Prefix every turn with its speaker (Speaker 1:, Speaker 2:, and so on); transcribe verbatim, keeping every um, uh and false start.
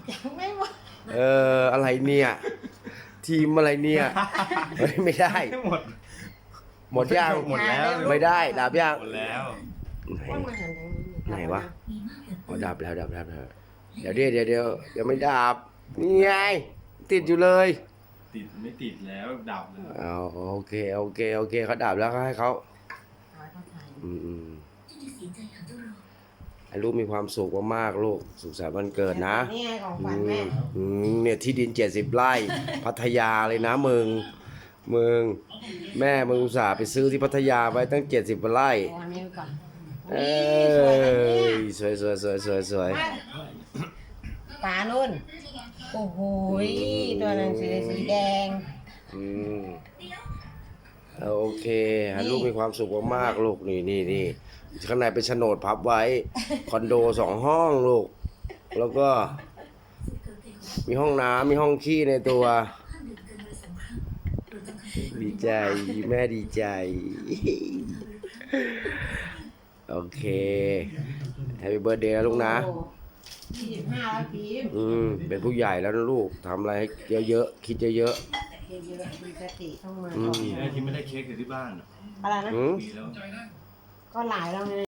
Speaker 1: ยังไม่หมด
Speaker 2: เอออะไรเนี่ยทีมอะไรเนี่ยเฮ้ยไม่ได้
Speaker 3: หมด
Speaker 2: หมดยัง
Speaker 3: หมดแล้ว
Speaker 2: ไม่ได้ดับยัง
Speaker 3: หมดแล้ว
Speaker 1: ว่ามาหันทางนี้
Speaker 2: ไหนวะอ๋อดับแล้วดับแล้วดับแล้วเดี๋ยวเดี๋ยวเดี๋ยวเดี๋ยวเดี๋ยวไม่ดับนี่ไงติดอยู่เลย
Speaker 3: ติดไม่ติดแล้วดับเลย
Speaker 2: เอาโอเคโอเคโอเคเขาดับแล้วก็ให้เขา
Speaker 1: เอาเข้าถ่าย
Speaker 2: อืมอืมให้ลูกมีความสุขมากๆลูกสุขสันต์วันเกิดนะ
Speaker 1: นี่ไงของข
Speaker 2: อื
Speaker 1: วัญแม่
Speaker 2: มอืมเนี่ยที่ดินเจ็ดสิบไร่พัทยาเลยนะมึงมึงแม่มึงอุตส่าห์ไปซื้อที่พัทยาไว้ตั้งเจ็ดสิบไร่
Speaker 1: เอาอันนี้ก่อน
Speaker 2: เอ
Speaker 1: นี่สวยนะเนี่ย
Speaker 2: ยสวยสวยสวยสวยสวย
Speaker 1: ปลานุ่นโอ้โหตัวหนังสือสีแดง
Speaker 2: อืมเอาโอเคให้ลูกมีความสุขมากๆลูกนี่นี่นี่ข้างในเป็นโฉนดพับไว้ คอนโดสองห้องลูก แล้วก็ มีห้องน้ำมีห้องขี้ในตัว ดีใจแม่ดีใจ โอเคแฮปปี้เบิร์ดเดย์นะลูกนะ
Speaker 1: ยี่สิบห้าแล้วพีม
Speaker 2: อืมเป็นผู้ใหญ่แล้วนะลูกทำอะไรให้เยอะๆคิดเยอะ
Speaker 1: เยอะๆมีสติต้องมา
Speaker 2: อืม
Speaker 1: ก่อน
Speaker 3: ไอ้ที่ไม่ได้เค้กอยู่ที่บ้าน
Speaker 1: อะไรนะ
Speaker 2: ๆอืม
Speaker 3: ปีแล้ว
Speaker 1: ก็หลายแล้วไง